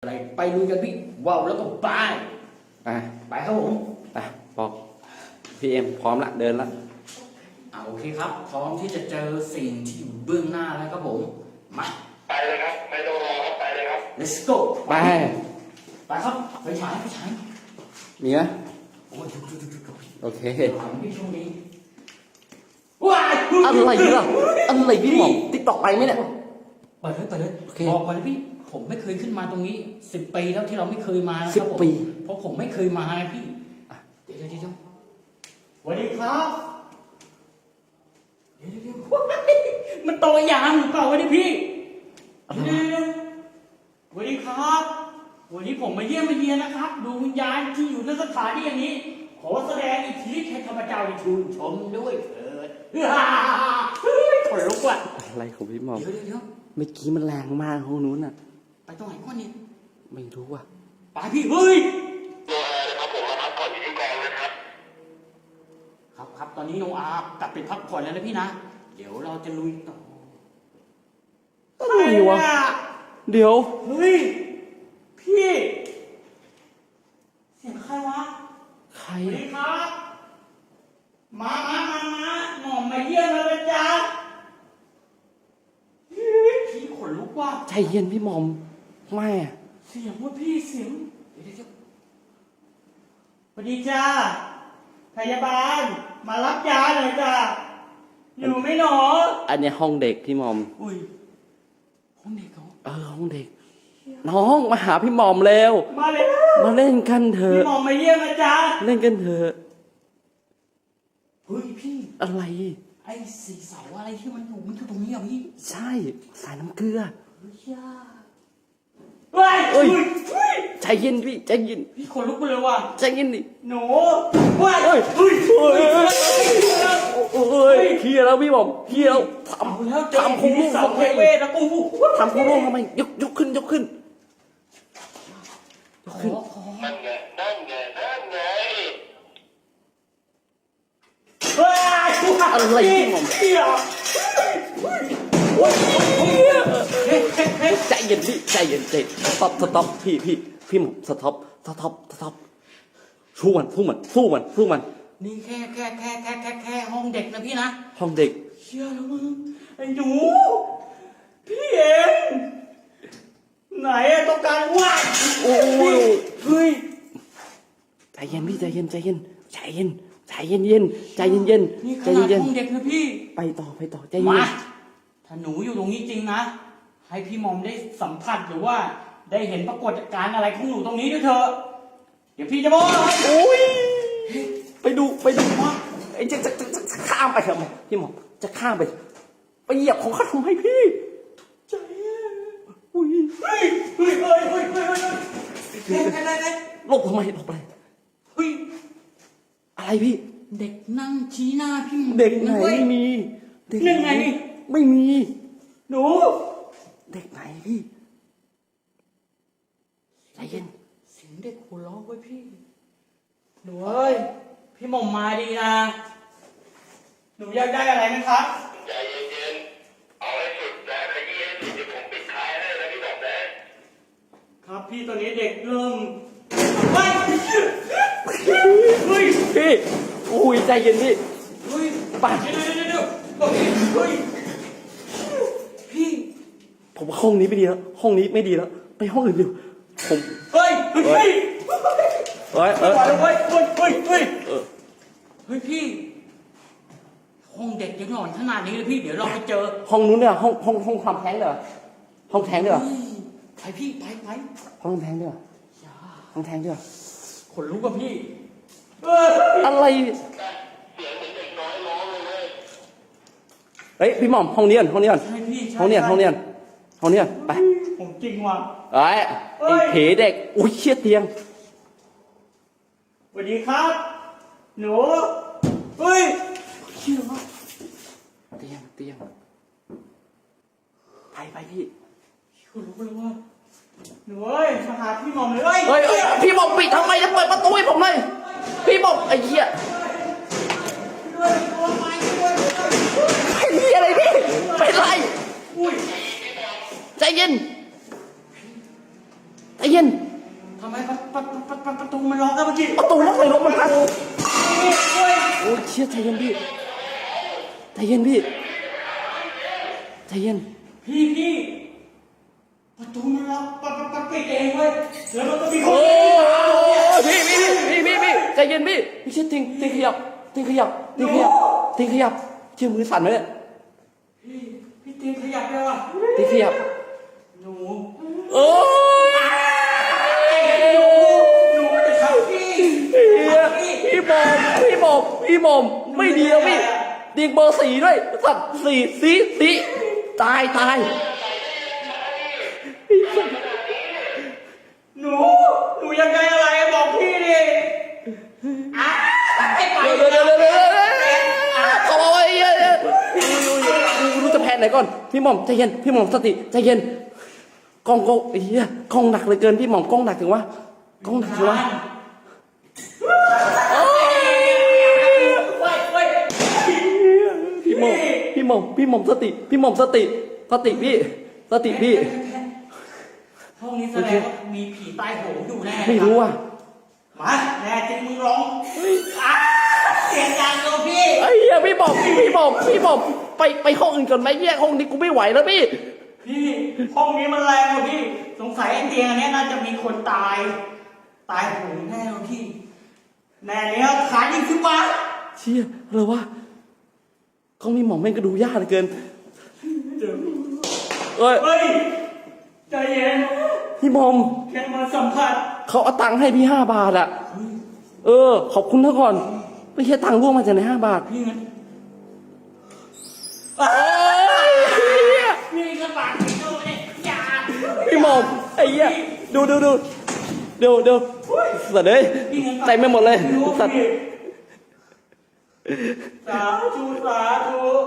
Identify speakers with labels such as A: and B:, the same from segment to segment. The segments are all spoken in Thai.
A: อะไรไปลุยกันพี่ว้าวแล้วก็ไปไปครับผม
B: ไปบอกพี่เอ็มพร้อมละเดินละ
A: โอเคครับพร้อมที่จะเจอสิ่งที่อยู่เบื้องหน้าแล้วครับผมมา
C: ไปเลยครับไม่ต้องรอครับไปเลยครับ
A: let's go
B: ไป
A: ครับไปฉาย
B: มีไหม
A: โอ้ย
B: โอเค
A: พี่ช่วงนี้
B: อะไรล่ะอะไรพี่หม่อมติ๊กตอกไปไหมเนี่ย
A: เปิดเลยบอกก่อนนะพี่ผมไม่เคยขึ้นมาตรงนี้10 ปีแล้วที่เราไม่เคยมานะครับผมเพราะผมไม่เคยมาไงพี่เดี๋ยวสวัสดีครับเดี๋ยวมันโตอย่างหรือเปล่าวะนี่พี่สวัสดีครับวันนี้ผมมาเยี่ยมมาเยียนนะครับดวงวิญญาณที่อยู่ในสถานที่อย่างนี้ขอแสดงอิทธิฤทธิ์ให้ข้าพเจ้าได้ชื่นชมด้วยเถิดขนลุกว่ะ
B: อะไรของพี่หม่อม
A: เดี๋ยว
B: เมื่อกี้มันแรงมากห้องนู้นน่ะ
A: ไปตรงไหนก่อนนี่
B: ไม่รู้ว่ะ
A: ไปพี่เฮ้ย
C: ครับผมมาพักผ่อนอยู่ที่กองนะครับ
A: ครับตอนนี้โนอากลับไปพักผ่อนแล้วนะพี่นะเดี๋ยวเราจะลุยต่อ
B: อะไรวะเดี๋ยว
A: เฮ้ยพี่เสียงใครวะ
B: ใคร
A: สวัสดีครับมาหม่อมมาเยี่ยมแล้วนะจ๊ะพี่ขนลุกว่ะ
B: ใจเย็นพี่หม่อมไม่
A: เสียงว่าพี่เสียงเดี๋ยวสวัสดีจ้าพยาบาลมารับยาหน่อยจ้าอยู่ไหมหนอ
B: อันนี้ห้องเด็กพี่หม่อม
A: อุ้ยห้องเด็กเขา
B: ห้องเด็กน้องมาหาพี่หม่อมเร็วมาเล่นกันเถอะ
A: พี่หม่อมมาเยี่ยมนะจ๊ะ
B: เล่นกันเถอะ
A: เฮ้ยพี่
B: อะไร
A: ไอ้สีเสาอะไรที่มันอยู่ตรงนี้อ่ะพี่
B: ใช่สายน้ำเกลือ
A: เฮ้ย
B: ใจเย็นพี่ใจเย็น
A: พี่ขนลุกไปเลยว่ะ
B: ใจเย็นดิ
A: หนูเฮ้ย
B: เคลียร์แล้วพี่หม่อมเคลียร์แล้วทำคุณลูกทำไมทำคุณลูกทำไมยกขึ้น
C: นั่นไง
B: อะไรพี่หม่อมใจเย็นพี่ใจเย็นสต็อปพี่หม่อมสต็อปสู้มัน
A: นี่แค่ห้องเด็กนะพี่นะ
B: ห้องเด็ก
A: เชื่อแล้วมึงไอ้หนูพี่เองไหนอะต้องการว่า
B: โอ้ย
A: เฮ้ย
B: ใจเย็นพี่ใจเย็นนี่ข
A: นาดห้องเด็กนะพี่
B: ไปต่อใจเย็น
A: มาถ้าหนูอยู่ตรงนี้จริงนะให้พี่มอมได้สัมผัสหรือว่าได้เห็นปรากฏการณ์อะไรของหนูตรงนี้ด้วยเถอะเดี๋ยวพี่จะบอก
B: โอ้ยไปดูว่าไอ้จะข้ามไปทำไมพี่หมอจะข้ามไปเหยียบของเขาทำไมพี่
A: ใจอุ้ยเฮ้ย
B: หลบทำไม
A: เฮ้ย
B: อะไรพี่
A: เด็กนั่งชี้หน้าพี่
B: เด็กไหนไม่มี
A: เด็กไหน
B: ไม่มี
A: หนู
B: เด็กไหนพี่ใจเย็น
A: เสียงเด็กหัวเราะไว้พี่หนูเอ้ยพี่หม่อมมาดีนะหนูอยากได้อะไรไหมครับ
C: ใจเย็นเอาให้สุดนะขยี้ให้สุดเดี๋ยวผมปิดท้ายให้นะพี่บอกนะครับ
A: พี่ตอนนี้เด็กเริ่มเฮ้ย
B: พี่อุ้ยใจเย็นพี่
A: ป่ะเดี๋ยวพี่
B: ผมว่าห้องนี้ไม่ดีแล้วห้องนี้ไม่ดีแล้วไปห้องอื่นดีผม
A: เฮ้ยพี่ห้องเด็กยังหลอนขนาดนี้เลยพี่เดี๋ยวเราไปเจอ
B: ห้องนู้นเนี่ยห้องความแท้งเหรอห้องแท้งเหรอ
A: ไปพี่ไป
B: ห้องแท้งเหรอห้องแท้งเหรอ
A: ขนลุกกับพี่
B: อะไร
C: เสียงเหมือนเด็กน้อยร้องเลย
B: เฮ้ยพี่หม่อมห้องนี้ห้องนี้ไป
A: ผมจริงว่ะ
B: ไอ้เผ๋เด็กอุ้ยเชี่ยเตียง
A: สวัสดีครับหนูเฮ้ยเชี่ยว่ะ
B: เตียงไปพี่
A: คุณรู้เลยว่าหนูเอ้ยมาหาพี่หม่อมเลย
B: เฮ้ยพี่หม่อมปิดทำไมจะเปิดประตูให้ผมเลยพี่หม่อมไอ้เหี้ยเป็นอะไรพี่เป็นไรใจเย็นใจเย็น
A: ทำไมประตูมันล็อกกันเมื่อกี้
B: ประตูล็อกเลยรถมันพัง
A: โอ้ย
B: โอ้ยเชี่ยใจเย็นพี่ใจเย็นพี่ใจเย็น
A: พี่ประตูมันล็อกปิดเองเว้ยแล้วมันก็มีค
B: โอ้
A: น
B: พี่ใจเย็นพี่ไม่ใช่ติงขยับเชื่อมือสั่นไหมเนี่ย
A: พี่ตีนขยับได้ป่ะ
B: ติงขยับ
A: หนู
B: โอ้ย
A: หนูจะทำพี่
B: พี่หมอมไม่ดีแล้วพี่ติงเบอร์4ด้วยสัตว์สีตาย
A: หนูยังไงอะไรบอกพี่ดิให้ไป
B: เดี๋ยวเขาบอกว่ารู้จะแพ้ไหนก่อนพี่หม่อมใจเย็นพี่หม่อมสติใจเย็นกล้องกล้องหนักเหลือเกินพี่หม่อมกล้องหนักถึงวะกล้องหนักถึงวะพี่หม่อมสติพี่
A: ห้องนี้แสดงว่ามีผีตายโหงอยู่แน่
B: ไม่รู้อ่ะ
A: มาแน่จริงมึงร้องเสียงดังเลยพี่
B: ไอ้เหี้ยพี่หม่อมไปห้องอื่นก่อนไหมแยกห้องนี้กูไม่ไหวแล้วพี่
A: ห้องนี้มันแรงกว่าพี่สงสัยไอ้เตียงอันนี้น่าจะมีคนตายโหงแน่เลยพี่แน่เนี้ยขายิงขึ้นมา
B: เชี่ยอะไรวะเขามีหม่อมแม่งก็ดูยากเหลือเกินเอ้ย
A: เฮ้ยใจเย็น
B: พี่หม่อม
A: แค่มาสัมผัส
B: เขาเอาตังค์ให้พี่5 บาทอ่ะขอบคุณเท่าก่อนไม่ใช่ตังค์ร่วงมาจากไหน5 บาท
A: พี่เงิน
B: โอ้ย
A: พี่กระบาดพี่โดนเนี่ยอย่า
B: พี่หม่อมไอ้เหี้ยดูสัตว์เลยเต็มไปหมดเลยสัตว์
A: สาธุ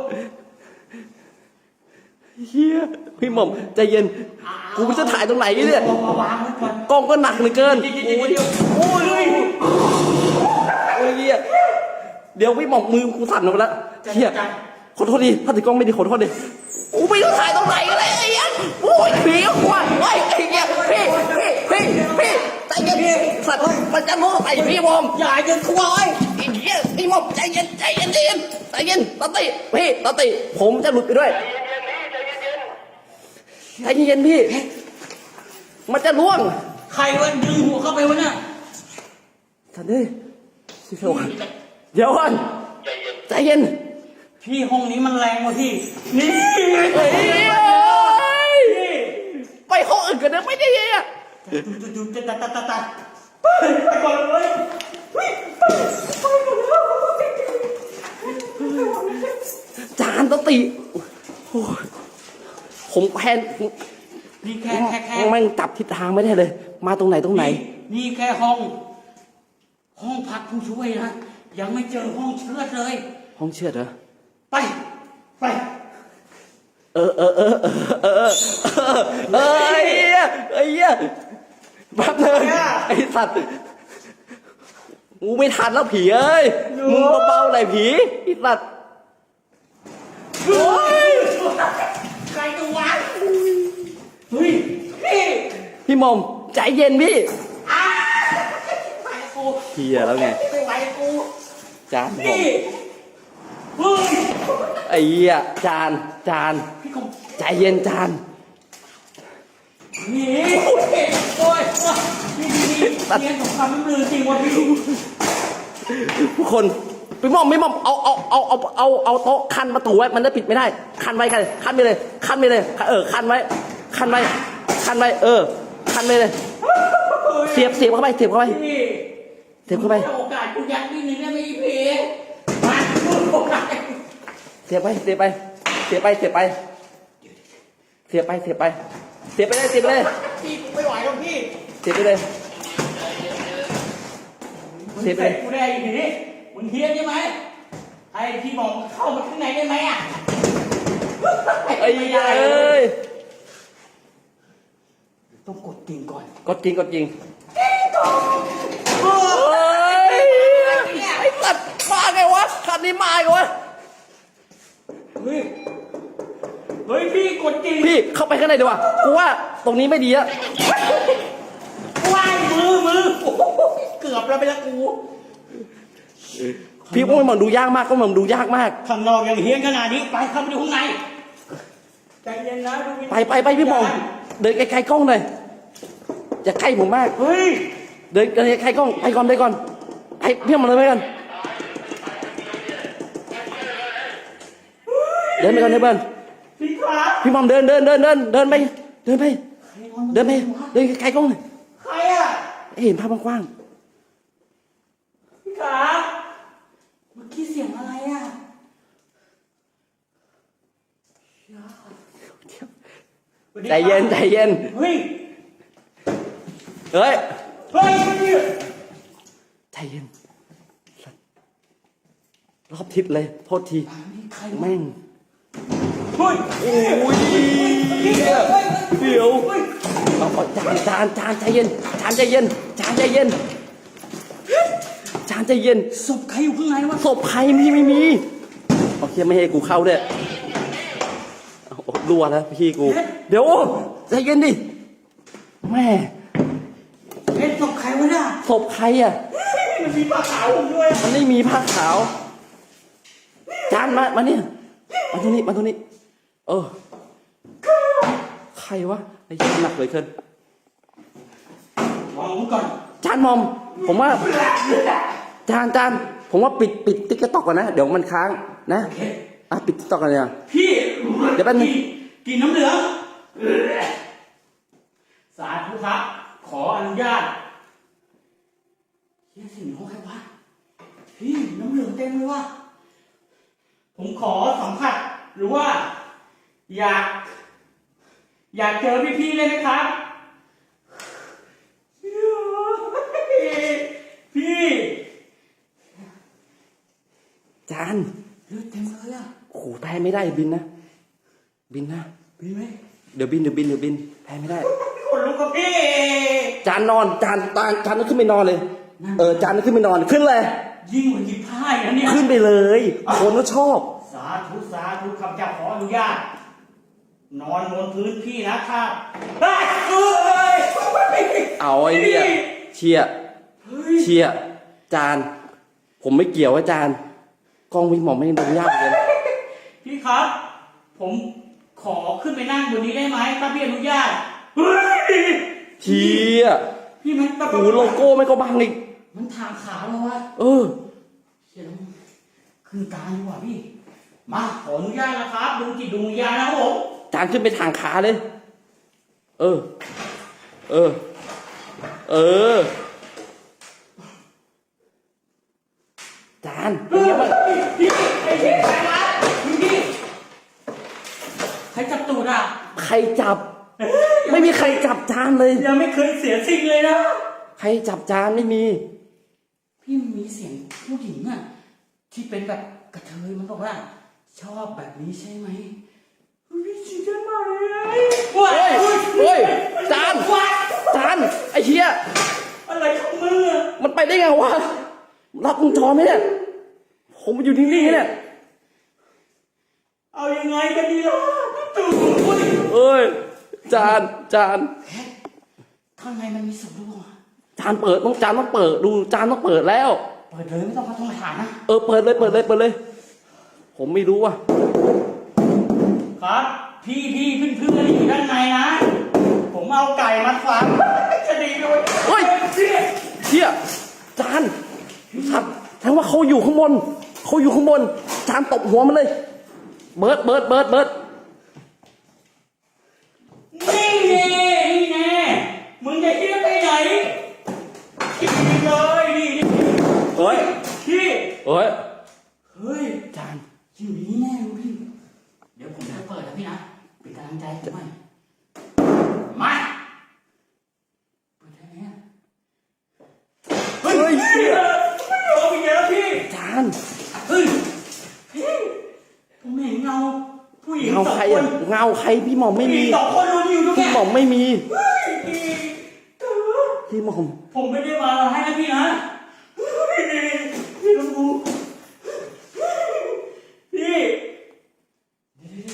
B: เฮียพี่หม่อมใจเย็นกูจะถ่ายตรงไหนเนี่ย
A: วางไว้ก่อน
B: กล้องก็หนักเหลือเกิน
A: โอ้ย
B: โอ้ยเฮียเดี๋ยวพี่หม่อมมือกูสั่นหมดแล้วเฮียขอโทษดิถ้าถือกล้องไม่ดีขอโทษดิกูไม่รู้ถ่ายตรงไหนกันเลยไอ้เหี้ยโอ้ยผีก็กลัวโอ้ยไอ้เหี้ยพี่ใจเย็นสัตว์มันจะโม้ใส่พี่หม่อม
A: อย่าจะกลัวไอ้
B: ไอ้เหี้ยพี่หม่อมใจเย็นตติผมจะหลุดไปด้วยใจเย็นพี่มันจะล่วง
A: ใครวันดึงหัวเข้าไปวะเนี่ย
B: สัตว์เดี๋ยวก่อนใจเย็น
A: พี่ห้องนี้มันแรงกว่าพี่นี่
B: เฮ้ยไปห้องอื่นกันนะไม่ได้ยัง
A: ดูตัดไปก่อนเลย
B: จานตติโอ้ยผมแพน
A: นี่แค่
B: แม่งจับทิศทางไม่ได้เลย มาตรงไหน
A: นี่แค่ห้องพักผู้ช่วยนะยังไม่เจอห้องเชือดเลย
B: ห้องเชือดเหรอ
A: ไป
B: ไอ้เหี้ยแป๊บนึงไอ้สัตว์กูไม่ทันแล้วผีเอ้ยมึงเบาๆหน่อยผีไอ้สัตว์
A: ใครตัววะเฮ้ย
B: พี่หม่อมใจเย็นพี่
A: ไปกู
B: เฮียแล้วไง
A: ไม่ไหวกู
B: จานผม
A: เฮ้ย
B: ไอ้เหี้ยจาน
A: พี่คง
B: ใจเย็นจาน
A: นี่โอ้ยนี่เรียนสงครามมันลือจริงวะพี่
B: ทุกคนพี่หม่อมเอาโต๊ะคันประตูไว้มันได้ปิดไม่ได้คันไว้คันไปเลยคันไว้คันไว้คันไปเลยเสียบเข้าไป
A: พี่
B: โอกาส
A: กูยัดนิดนึงได้ไหมพี่มาโอกาส
B: เสียบไปเลยเสียบไปเลย
A: พี่ไม่ไหวแล้วพี่
B: เสียบไปเลย
A: กูได้อีกทีมึงเฮียนใช่ไหมให้พี่บอกเข้ามาข้างในได้ไหมอ่ะ
B: ไอ้ยัยเอ้ย
A: ต้องกดจริงก่อน
B: กดจริงเฮ้ยไอ้สัตว์มาไงวะคันนี้มาไงวะ
A: เฮ้ยพี่กดจริง
B: พี่เข้าไปข้างในดีกว่ากูว่าตรงนี้ไม่ดีอะ
A: ว้ายมือโอ้โหเกือบแล้วไปละกู
B: พี่ว่ามันดูยากมากก็มันดูยากมาก
A: ข้างนอกยังเฮี้ยนขนาดนี้ไปเข้าไปดูข้างในใจเย็นนะดูวิญญาณ
B: ไปพี่หมอมเดินไกลๆกล้องหน่อยอย่าใกล้ผมมาก
A: เฮ้ย
B: เดินไกลๆกล้องไปก่อนไปพี่หมอมเลยไปก่อนเดินไปก่อนเดิน
A: พี่ครับ
B: พี่หมอมเดินไปเดินไกลๆกล้องหน่อย
A: ใครอ่ะ
B: ให้เห็นภาพกว้าง
A: พี่ครับเมื่อกี้เสียงอะไรอ่ะ
B: ๆใจเย็น
A: เฮ้ย
B: เฮ้ย
A: เฮ้ย
B: ใจเย็นรอบทิศเลยโทษที
A: นี่ใคร
B: แม่ง
A: เฮ้ย
B: โอ้ยเดี๋ยวเอาจานใจเย็นจานใจเย็น
A: ศพใครอยู่ข้างในวะ
B: ศพใครไม่มีโอเคไม่ให้กูเข้าด้วยเอารัวแล้วพี่กูเดี๋ยวใจเย็นดิแม่
A: เป็นศพใครวะเนี่ย
B: ศพใครอ่ะ
A: มันมีผ้าขาวผมด้วย
B: มันไม่มีผ้าขาวจานมาเนี่ยมาตรงนี้เออใครวะไอ้หนักเลยเกิน
A: วางผมก่อน
B: จานมอมผมว่าจานผมว่าปิดติ๊กต็อกก่อนนะเดี๋ยวมันค้างนะปิดติ๊กต็อกกันเลย
A: พี่
B: เดี๋ยวแป๊บนึง
A: กินน้ำเหลืองสาธุครับขออนุญาตเฮียสิ่งของใครวะพี่น้ำเหลืองเต็มเลยวะผมขอสัมผัสหรือว่า อยากเจอพี่ๆเลยไหมครับพี่
B: จาน
A: เลือดเต็มเลยอ่ะ
B: โอ้โหแพ้ไม่ได้บินนะ
A: พี่ไหม
B: เดี๋ยวบินแพ้ไม่ได้
A: คนลุกกับพี่
B: จานนอนจานต้องขึ้นไปนอนเลยจานต้องขึ้นไปนอนขึ้นเลย
A: ยิ่งกว่าหยิบผ้าอย่างนี้
B: ขึ้นไปเลยคนก็ชอบ
A: สาธุข้าพเจ้าขออนุญาตนอนบนพื้นพี่นะครับเฮ้ย
B: เอาไอ้เนี่ยเชียจานผมไม่เกี่ยวว่าจานกล้องวิ่งหมอไม่ดูยากเลย
A: พี่ครับ ผมขอขึ้นไปนั่งบนนี้ได้ไหมถ้าพี่อนุญาตเฮ้ย
B: เชีย
A: พี่มันแบบ
B: โอ้โลโก้ไม่ก็บังอีก
A: มันทางขาวแล้ววะ
B: เออ
A: เชี่ยแล้วคือการดีกว่าพี่มาขออนุญาตนะครับดูจิตดูวิญญาณนะครับผม
B: จานขึ้นไปทางขาเลย เออ จานเป็นไงบ้าง
A: พี่ไอ้พี่ใครวะพี่ใครจับตูดอ่ะ
B: ใครจับ ไม่มีใครจับจานเลย
A: ยังไม่เคยเสียสิ่งเลยนะ
B: ใครจับจานไม่มี
A: พี่มีเสียงผู้หญิงอ่ะที่เป็นแบบกระเทยมันบอกว่า ชอบแบบนี้ใช่ไหมพี่จริงจังมากเลย
B: เฮ้ยจานไอ้เชี่ย
A: อะไรของมึงอ่ะ
B: มันไปได้ไงวะ รับวงจรไหมเนี่ย ผมอยู่นิ่งๆเนี่ย
A: เอายังไงกันดีล่ะพี่ตู่
B: เอ้ย จาน
A: ข้างในมันมีศพด้วยวะ
B: จานต้องเปิดดูจานต้องเปิดแล้ว
A: เปิดเลยไม่ต้องมาทงฐานนะ
B: เปิดเลย ผมไม่รู้ว่ะ
A: ครับ พี่เพื่อนๆอยู่ด้านในนะ ผมเอาไก่มาฝังจะดีด้วย
B: เฮ้ย เชี่ยจานครับแสดงว่าเขาอยู่ข้างบน จานตบหัวมันเลย เบิร์ด
A: นี่แน่มึงจะเที่ยวไปไหนขี่เลยนี่
B: เฮ้ย
A: พี่
B: เฮ้ย
A: เฮ้ยจานอยู่นี่แน่รู้พี่เดี๋ยวผมจะเปิดนะพี่นะเป็นกำลังใจผมหน่อยมาเปิดได้ไหมอะเฮ้ยพี่ไม่ยอมอีกแล้วพี่
B: จาน
A: เฮ้ยพี่ผมเห็นเงาผู้หญิง
B: เงา
A: สอง
B: ใคร
A: ค
B: อ่ะ
A: น
B: เงาใครพี่หม่อมไม่
A: ผู้หญิ
B: มี
A: งสองคนรู้อยู่ตรง
B: พี่
A: เนี้ย
B: หม่อมไม่มี
A: เฮ้ย
B: พี่หม่อม
A: ผมไม่ได้มาให้นะพี่นะพี่ต้องดูพี่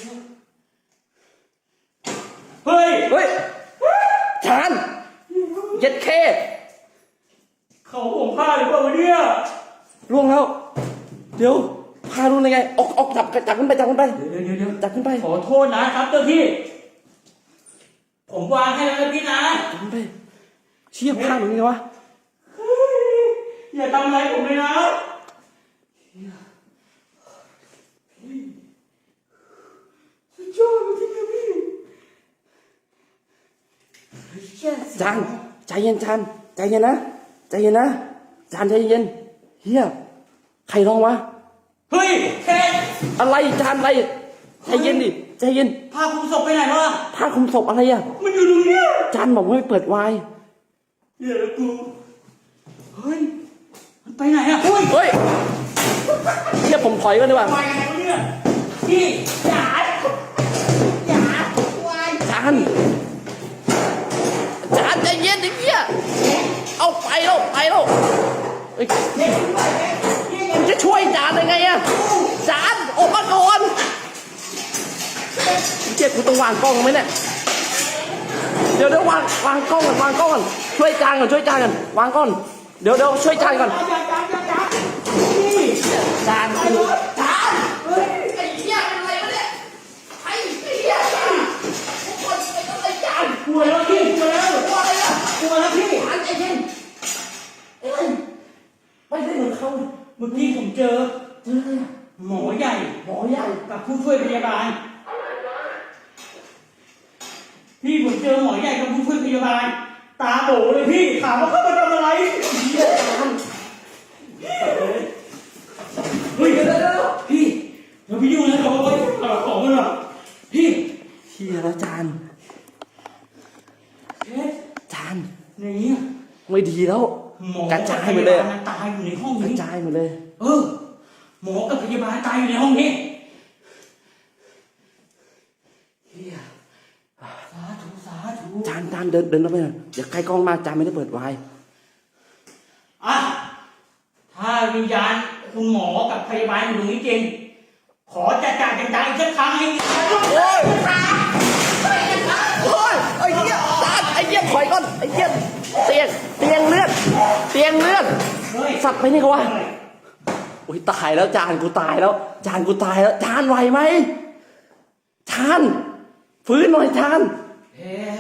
A: เฮ้ย
B: จานเย็ดเค
A: เขาผมพลาดหรือเปล่าวะเนี่ย
B: ล่วงแล้วเดี๋ยวพาลุงยังไงออกจับขึ้นไปจับขึ้นไป
A: เดี๋ยว
B: จับขึ้นไป
A: ขอโทษนะครับเจ้าพี่ ผมวางให้แล้วนะพี่นะ
B: จับขึ้นไปเชี่ยพาลุงยังไงวะ
A: อย่าทำอะไรผมเลยนะสุดยอดจริงๆพี่
B: จานใจเย็นจานใจเย็นนะใจเย็นนะจานใจเย็นเฮียใครร้องวะ
A: เฮ้ยแค่
B: อะไรจานอะไรใจเย็นดิใจเย็น
A: พาคุณศพไปไหนวะ
B: ผ้าคลุมศพอะไรอ่ะ
A: มันอยู่ตรงเนี้ย
B: จานบอกว่าไม่เปิดไวน์
A: เดี๋ยวกูเฮ้ยมันไปไหนอะเฮ้ย
B: เฮ้ยเฮียผมถอยก่อนดีกว่า
A: ไปไหนวะเนี่ยพี่อย่าวาย
B: จานใจเย็นดิเฮียเอาไปแล้วเฮ้ย
A: เด็กไปเด็กพี่
B: มึงจะช่วยจานยังไงอะจานออกมาก่อนเจ๊กูต้องวางกล้องไหมเนี่ยเดี๋ยววางกล้องก่อนช่วยจานก่อนวางกล้องเดี๋ยวช่วยจานก่อน
A: อย่าพี่
B: จานกู
A: เฮ้ย
B: ไอ้เหี้ยเป็นอะไรวะเนี่ยไอ้เหี้ยจานทุกคนเป็นอะไรจาน
A: กลัวแล้วพี่กลัวแล้ว
B: กลัวอะไรอะ
A: กลัวแล้วพี่
B: จานใจเย็นเอ้ยไม่ได้เหมือนเขา
A: เมื่อกี้ผมเจอ
B: เจออะไรอะ
A: หมอใหญ่
B: หมอใหญ่
A: กับผู้ช่วยพยาบาลพี่ผมเจอหมอใหญ่กับผู้ช่วยพยาบาล ตาโบเลยพี่ถามว่าเขามาทำอะไร
B: เหี้ยจาน
A: เฮ้ยพี่เดี๋ยวพี่ยุ่งนะเขาไปของมันหรอพี่
B: เหี้ยแล้วจาน
A: เอ๊ะ
B: จาน
A: ในนี้
B: ไม่ดีแล้ว
A: หมอก
B: ระจายหมดเลย
A: พบาตายอยู่ในห้อง
B: กระ
A: นี้
B: จายหมดเลย
A: หมอกับพยาบาลตายอยู่ในห้องนี้เฮียสาธุ
B: จานเดินเข้าไปหน่อยอย่าใกล้กล้องมากจานไม่ได้เปิดไวน์
A: อ่ะถ้าวิญญาณคุณหมอกับพยาบาลอยู่ตรงนี้จริงขอจัดการจัดการอีกสักครั้งให้
B: โอ้ยไอ้เหี้ยจานไอ้เหี้ยถอยก่อนไอ้เหี้ยเตียงเลือด
A: เฮ้ย
B: สัตว์ไปนี่เขาวะโอ้ยตายแล้วจานกูตายแล้วจานไหวไหมจานฟื้นหน่อยจาน
A: เฮ้ย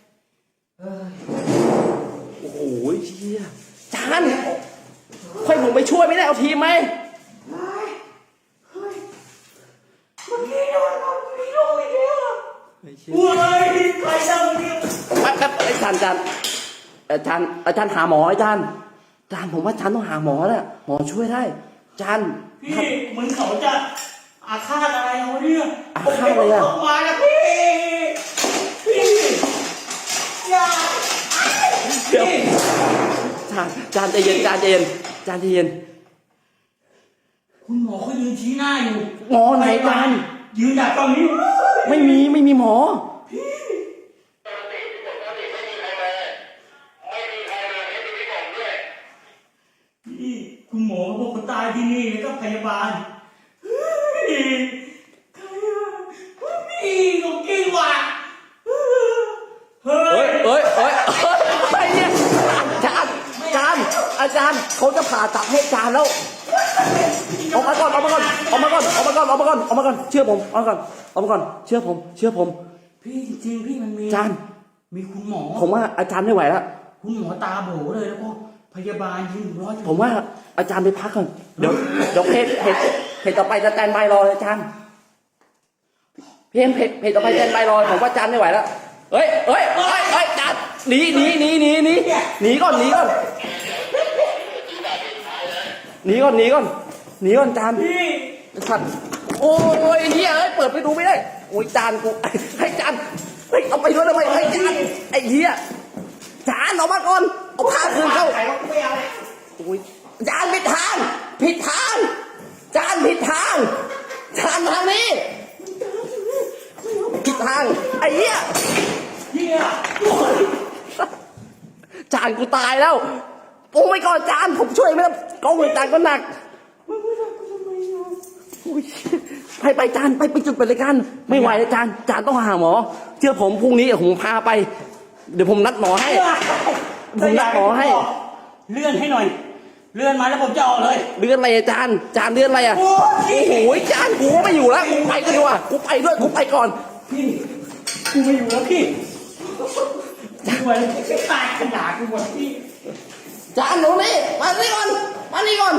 B: โอ้โหเชี่ยจานค่อยผมไปช่วยไม่ได้เอาทีมไหม
A: เมื่อกี้โดนเอาพี่ลงอีกแล้วอ่ะเฮ้ยใครทำเนี่ย
B: แป๊บไอ้จานอาจารย์หาหมออาจารย์ผมว่าอาจารย์ต้องหาหมอแหละหมอช่วยได้อาจารย์
A: พี่เหมือนเขาจะอาฆาตอะไรเอาเนี่ย
B: อาฆาตอะไรอะ
A: ผมมาแล้วพี่อย่า
B: เดี๋ยว
A: พี่
B: จานใจเย็น
A: คุณหมอเขายืนชี้หน้าอยู่
B: หมอไหนจาน
A: ยืนดักตรงนี้
B: ไม่มีหมอ
C: ปกติที่ผมก็ติไม่มีใครมาไม่มีใครมาไม่มีพี่ผมด้วย
A: พี่คุณหมอเขาบอกเขาตายที่นี่แล้วก็พยาบาลเฮ้ยใครอะพี่เขาเก่งว่ะเฮ้
B: เฮ้
A: ย
B: ยไอ้เนี่ยอาจารย์เขาจะผ่าตัดให้จานแล้วออกมาก่อนเชื่อผมออกมาก่อนเชื่อผม
A: พี่จริงๆพี่มันมี
B: จาน
A: มีคุณหมอ
B: ผมว่าอาจารย์ไม่ไหวแล้ว
A: คุณหมอตาโบเลยแล้วก็พยาบาลยืนรออยู่
B: ผมว่าอาจารย์ไปพักก่อนเดี๋ยวเพจต่อไปจะแตนบายรอเลยอาจารย์เพจต่อไปแตนบายรอผมว่าอาจารย์ไม่ไหวแล้วเฮ้ยอาจารย์หนีก่อนอาจารย์
A: พี่
B: สัตว์โอ้ยเฮียเปิดไปดูไม่ได้โอ้ยจานกูให้จานเอาไปด้วยทำไมให้จานไอ้เฮียจานออกมาก่อนเอาผ้าคืนเข้า
A: ใครวะไม่เอาเลย
B: โอ้ยจานผิดทางจานผิดทางทางนี้ผิดทางไอ้เหี้ย
A: เฮีย
B: จานกูตายแล้วโอ้ไม่ก่อนจานผมช่วยไม่ได้กล้องเลยจานก็หนักโอ้ยไปจานไปจุดเปิดรายการไม่ไหวแล้วจานต้องหาหมอเชื่อผมพรุ่งนี้ผมพาไปเดี๋ยวผมนัดหมอให้ผมนัดหมอให้
A: เลื่อนให้หน่อย เลื่อนมาแล้วผมจะออกเลย
B: เลื่อนอะไรอาจารย์อาจารย์เลื่อนอะไรอ่ะ
A: โอ้ย
B: โอ้โหอาจารย์กูไม่อยู่แล้วกูไปกันดีกว่ากูไปด้วยกูไปก่อน
A: พี่กูไม่อยู่แล้วพี่กูไปแล้วตายขนาดกูหมดพี่
B: อาจารย์หนูนี่มานี่ก่อนมานี่ก่อน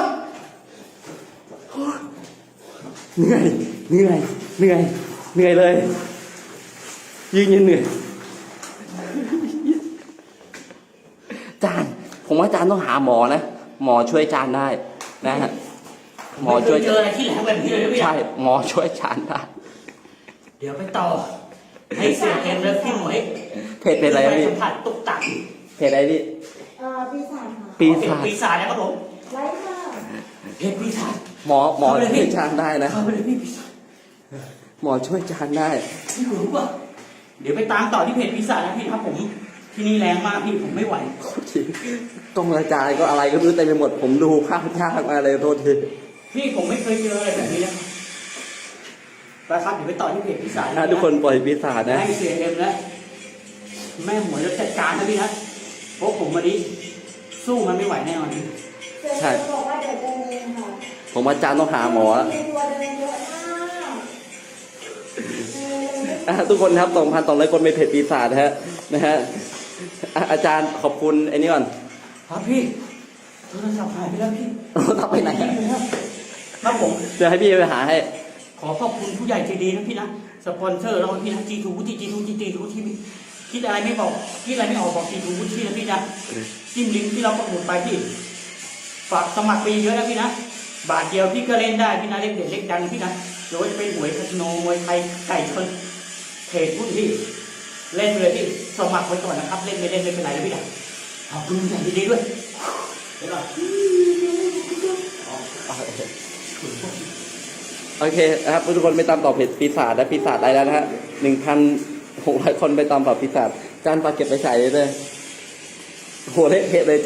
B: เหนื่อยเหนื่อยเหนื่อยเหนื่อยเลยยืนเหนื่อยอาจารย์ผมว่าอาจารย์ต้องหาหมอนะหมอช่วยอาจารย์ได้นะฮะหมอช่วย
A: ไเคเจออะไรที่ไหนแบบนี้เลยนะพี่
B: ใช่หมอช่วยอาจารย์ได้
A: เดี๋ยวไปต่อ ให้เสียเกมแล้วพี่หมวย
B: เพจเป็นอะไรครับ
A: ป
B: พี่
A: สัมผัสตุกตัก
B: เพจอะไรพี่
D: ปีศาจค่ะ
B: ปีศาจ
A: ปีศาจนะครับผม
D: ไว้ค่ะ
A: เพจปีศาจ
B: หมอช่วยอาจารย์ได้นะ
A: เข้าไปเลยพี่ปีศาจ
B: หมอช่วยอาจารย์ได้
A: พี่รู้ป่ะเดี๋ยวไปตามต่อที่เพจปีศาจนะพี่ครับผมที่นี่แรงมากพี่ผมไม่ไหว
B: โทษทีต้องอาจารย์ก็อะไรก็ไม่รู้เต็มไปหมดผมดูภาพยากมาเลยโทษที
A: พี่ผมไม่เคยเจออะไรแบบนี้นะไปครับเดี๋ยวไปต่อที่เพจปีศาจ
B: ทุกคนปล่อยปีศาจนะ
A: ให้เสียเอ็มแล้วแม่หมวยจะจัดการนะพี่นะเพราะผมวันนี้สู้มันไม่ไหวแน่นอน
B: ใช่
D: บอกว่าเดี๋ยวเดินเองค่ะ
B: ผมอาจารย์ต้องหาหมอแล้ว
D: มีตัวเดินเยอะมาก
B: ทุกคนครับ2,200 คนเป็นเพจปีศาจนะฮะอาจารย์ขอบคุณไอ้นี่ก่อน
A: ครับพี่โทรศัพท์หายไปแล้วพี่
B: ทำไปไหน
A: ครับผม
B: เดี๋ยวให้พี่ไปหาให้
A: ขอขอบคุณผู้ใหญ่ใจดีนะพี่นะสปอนเซอร์เราพี่นะจีทูวุฒิจีทูที่คิดอะไรไม่บอกคิดอะไรไม่ออกบอกจีทูวุฒินะพี่นะจิ้มลิงก์ที่เราประมูลไปพี่ฝากสมัครไปเยอะนะพี่นะบาทเดียวพี่ก็เล่นได้พี่นะเล่นเด็ดเล็กดังพี่นะโดยเป็นหวยคาสิโนมวยไทยไก่ชนเทรดหุ้นพี่เล่นเลยพี่สมัครไว้ก่อนนะครับเล่นไม่เป็นไรนะพี่นะขอบคุณผู้ใหญ่ใจดีด้วยเดี๋ยวก่อน
B: โอเคนะครับทุกคนไปตามต่อเพจปีศาจและปีศาจได้แล้วนะฮะ1,600 คนไปตามต่อปีศาจอาจารย์ฝากเก็บไปใส่เลยโหเละเทะเลย